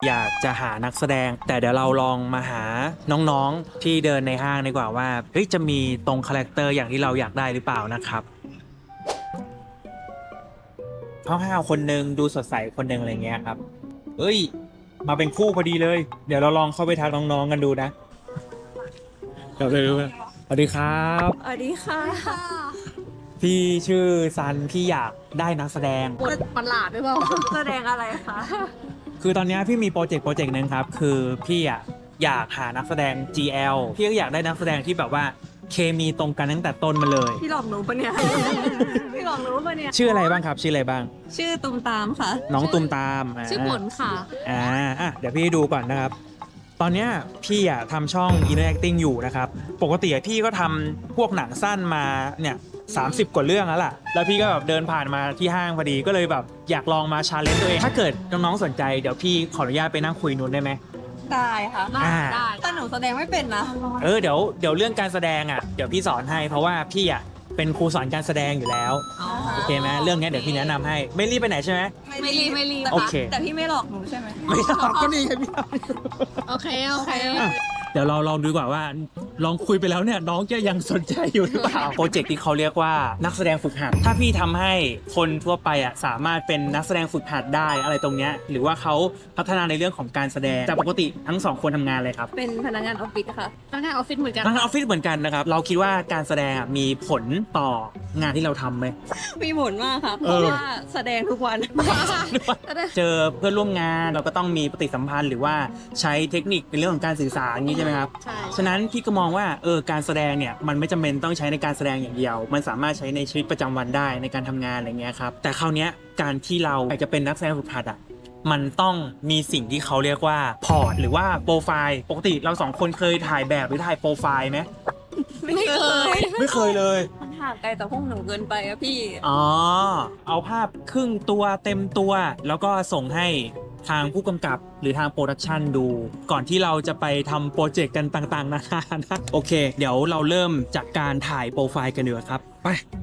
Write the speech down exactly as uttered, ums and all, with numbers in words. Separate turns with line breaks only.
อยากจะหานักแสดงแต่เดี๋ยวเราลองมาหาน้องๆที่เดินในห้างดีกว่าว่าเฮ้ยจะมีตรงคาแรคเตอร์อย่างที่เราอยากได้หรือเปล่านะครับห้าวๆคนหนึ่งดูสดใสคนหนึ่งอะไรเงี้ยครับเอ้ยมาเป็นคู่พอดีเลยเดี๋ยวเราลองเข้าไปทักน้องๆกันดูนะเดี๋ยวเลยสวัสดีครับ
สวัสดีค่ะ
พี่ชื่อซันพี่อยากได้นักแสดง
บทประหลาดหรือเปล่าแสดงอะไรคะ
คือตอนนี้พี่มีโปรเจกต์โปรเจกต์หนึงครับคือพี่อ่ะอยากหานักแสดง จี แอล พี่ก็อยากได้นักแสดงที่แบบว่าเคมีตรงกันตั้งแต่ต้นมาเลย
พี่หลอกหนูปะเนี่ย พี่หลอกหนูปะเนี่ย
ชื่ออะไรบ้างครับชื่ออะไรบ้าง
ชื่อตุ้มตามค่ะ
น้องตุมตาม
ชื่อผลค่ะ
อ่าอ่ะเดี๋ยวพี่ดูก่อนนะครับ ตอนเนี้ยพี่อ่ะทำช่อง Inner Acting อยู่นะครับปกติอะพี่ก็ทำพวกหนังสั้นมาเนี่ยสามสิบกว่าเรื่องแล้วล่ะแล้วพี่ก็แบบเดินผ่านมาที่ห้างพอดีก็เลยแบบอยากลองมาชาเลนจ์ตัวเองถ้าเกิดน้องๆสนใจเดี๋ยวพี่ขออนุญาตไปนั่งคุยนู้นได้ไหม
ได้ค่ะ
อ่า
ได้แต่หนูแสดงไม่เป็นนะ
เออเดี๋ยวเดี๋ยวเรื่องการแสดงอ่ะเดี๋ยวพี่สอนให้เพราะว่าพี่อ่ะเป็นครูสอนการแสดงอยู่แล้วโอเคไหมเรื่องนี้เดี๋ยวพี่แนะนำให้ไม่รีบไปไหนใช่ไหม
ไม่รีบไม่รีบ
โอเค
แต่พี่ไม่หลอกหนูใช่ไหม
ไม่ตอบก็นี่ไงพี่
โอเคโอเค
อ่ะเดี๋ยวเราลองดูก่อนว่าลองคุยไปแล้วเนี่ยน้องจะยังสนใจอยู่หรือเปล่าโปรเจกต์ที่เขาเรียกว่านักแสดงฝึกหัดถ้าพี่ทำให้คนทั่วไปอ่ะสามารถเป็นนักแสดงฝึกหัดได้อะไรตรงเนี้ยหรือว่าเขาพัฒนาในเรื่องของการแสดงแต่ปกติทั้งสองคนทำงานเลยครับ
เป็นพนักงานออฟฟิศค่ะพนักงานออฟฟิศเหมือนกัน
ทั้งออฟฟิศเหมือนกันนะครับเราคิดว่าการแสดงอ่ะมีผลต่องานที่เราทำไหม
มีผลมากค่ะเพ
เออ
ราะว่าแสดงทุกวัน
เจอเพื่อนร่วมงานเราก็ต้องมีปฏิสัมพันธ์หรือว่าใช้เทคนิคในเรื่องของการสื่อสารอย่างนี้ใช่ไหมครับ
ใช่
ฉะนั้นพี่ก็มองว่าเออการแสดงเนี่ยมันไม่จำเป็นต้องใช้ในการแสดงอย่างเดียว มันสามารถใช้ในชีวิตประจำวันได้ในการทำงานอะไรเงี้ยครับแต่คราวเนี้ยการที่เราอยากจะเป็นนักแสดงฝึกหัดอ่ะมันต้องมีสิ่งที่เขาเรียกว่าพอร์ตหรือว่าโปรไฟล์ปกติเราสองคนเคยถ่ายแบบหรือถ่ายโปรไฟล์ไหม
ไม่เคย
ไม่เคยเลย
มันห่างไกลจากพวกหนูเกินไปอะพี่
อ๋อเอาภาพครึ่งตัวเต็มตัวแล้วก็ส่งให้ทางผู้กำกับหรือทางโปรดักชันดู ก่อนที่เราจะไปทำโปรเจกต์กันต่างๆนานานะโอเค เดี๋ยวเราเริ่มจากการถ่ายโปรไฟล์กันดีกว่าครับไป